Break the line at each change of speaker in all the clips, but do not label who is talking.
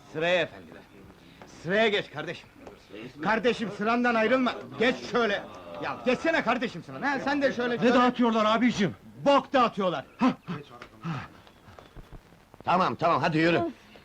Sıraya efendiler. Sıraya geç kardeşim. Kardeşim sırandan ayrılma. Geç şöyle. Ya geçsene kardeşim sıran. Ha sen de şöyle.
Ne dağıtıyorlar abicim?
Bok dağıtıyorlar.
Tamam, hadi yürü.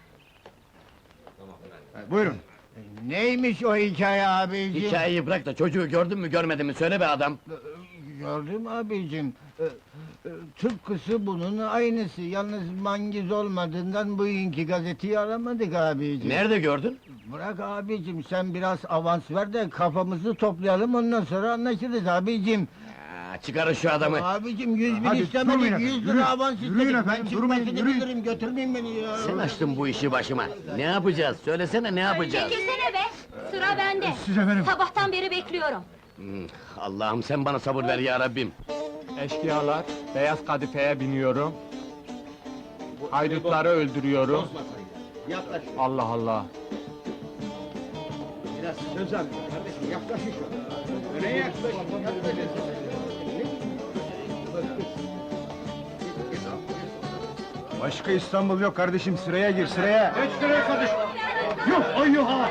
Buyurun. Neymiş o hikaye abiciğim?
Hikayeyi bırak da çocuğu gördün mü görmedin mi söyle be adam.
Gördüm abicim. Tıpkısı bunun aynısı. Yalnız mangiz olmadığından bugünkü gazeteyi aramadık abicim.
Nerede gördün?
Bırak abicim, sen biraz avans ver de kafamızı toplayalım, ondan sonra anlaşırız abicim.
Çıkarın şu adamı.
Abicim 100 bin
Hadi,
istemedik,
durmayın
100
efendim,
lira
yürüyün.
avans
Yürüyün
istedik.
efendim,
Ben
durmayın,
çıkmasını
yürüyün.
bilirim, götürmeyin beni ya.
Sen açtın bu işi başıma. Ne yapacağız? Söylesene ne yapacağız?
Çekilsene be! Sıra bende!
Siz efendim.
Sabahtan beri bekliyorum.
Allah'ım sen bana sabır ver ya Rabbim.
Eşkıyalar, beyaz kadifeye biniyorum. Haydutları öldürüyorum.
Yaklaş.
Allah Allah!
Biraz söz al. Kardeşim yaklaşın şöyle. Öne yaklaşın. Başka İstanbul yok kardeşim, sıraya gir, sıraya! Geç sıraya kardeşim! Yok, ay yok ha!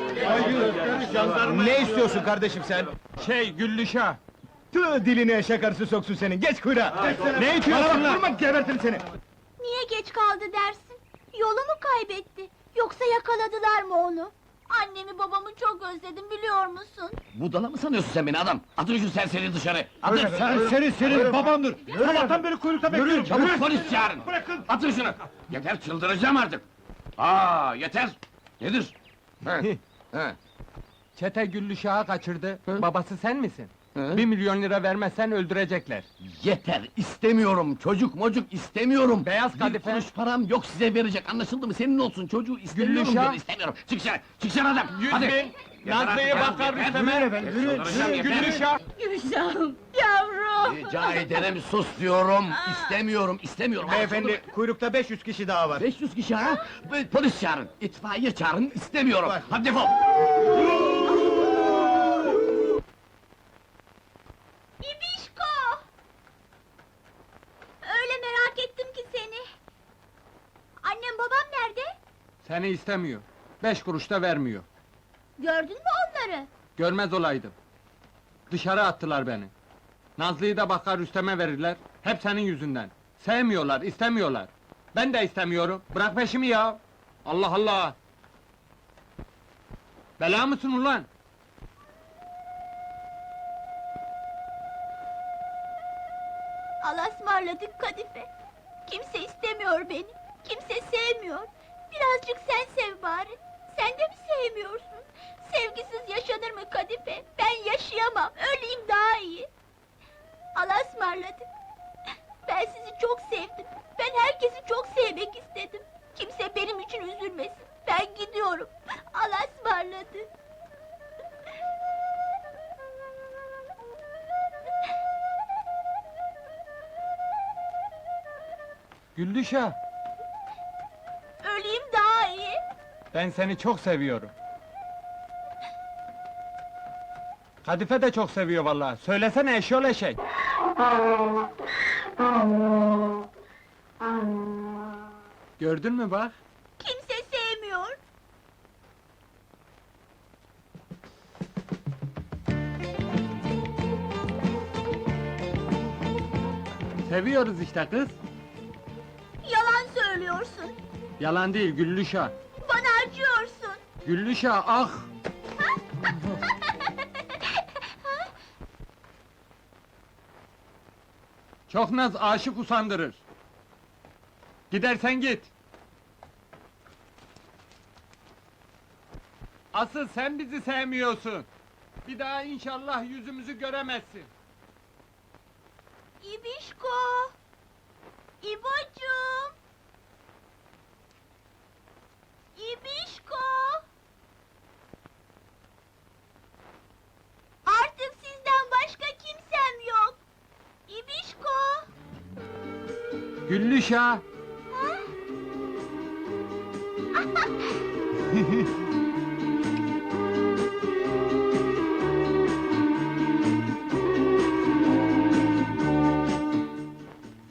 Ne istiyorsun kardeşim sen?
Güllüşah!
Tüh, dilini eşek arısı soksun senin, geç kuyruğa! Ne itiyorsun lan? Durma, gebertirim seni!
Niye geç kaldı dersin? Yolu mu kaybetti? Yoksa yakaladılar mı onu? Annemi babamı çok özledim biliyor musun?
Budala mı sanıyorsun sen beni adam? Atın şu serseri dışarı! Atın!
Serseri senin babandır! Sabahtan beri kuyrukta bekliyorum!
Çabuk polis çağırın!
Bırakın!
Atın şunu! Yeter çıldıracağım artık! Yeter! Nedir? Ha.
Çete Güllüşah'ı kaçırdı. Babası sen misin?
Hı?
1 milyon lira vermezsen öldürecekler.
Yeter! İstemiyorum! Çocuk mocuk istemiyorum!
Beyaz
Bir
kadife.
kuruş param yok size verecek, anlaşıldı mı? Senin olsun, çocuğu istemiyorum
Güllüşah.
diyorum, istemiyorum! Çık dışarı! Çık dışarı adam!
100
Hadi!
bin!
Yeter
Nazlı'ya
artık,
bakar
yeter.
Rüstem'e!
Çıldıracağım, yeter.
Güllüşah!
Gülşah'ım, yavrum!
Rica ederim sus diyorum! İstemiyorum, istemiyorum!
Beyefendi, kuyrukta 500 kişi daha var.
500 kişi ha? Polis çağırın, itfaiye çağırın, istemiyorum!
Var.
Hadi defol!
İbişko! Öyle merak ettim ki seni. Annem babam nerede?
Seni istemiyor. 5 kuruş da vermiyor.
Gördün mü onları?
Görmez olaydım. Dışarı attılar beni. Nazlı'yı da bakar Rüstem'e verirler. Hep senin yüzünden. Sevmiyorlar, istemiyorlar. Ben de istemiyorum. Bırak peşimi ya! Allah Allah! Bela mısın ulan?
Allah'a ısmarladık Kadife. Kimse istemiyor beni. Kimse sevmiyor. Birazcık sen sev bari. Sen de mi sevmiyorsun? Sevgisiz yaşanır mı Kadife? Ben yaşayamam. Öleyim daha iyi. Allah'a ısmarladık. Ben sizi çok sevdim. Ben herkesi çok sevmek istedim. Kimse benim için üzülmesin. Ben gidiyorum. Allah'a ısmarladık.
Güllüşah!
Öleyim daha iyi.
Ben seni çok seviyorum. Kadife de çok seviyor vallahi. Söylesene eşyol eşek. Gördün mü bak?
Kimse sevmiyor.
Seviyoruz işte kız.
Yalan söylüyorsun.
Yalan değil Güllüşah.
Bana acıyorsun.
Güllüşah ah! Çok naz aşık usandırır. Gidersen git. Asıl sen bizi sevmiyorsun. Bir daha inşallah yüzümüzü göremezsin.
İbişko! İbocuğum! İbişko! Artık sizden başka kimsem yok. İbişko!
Güllüşah!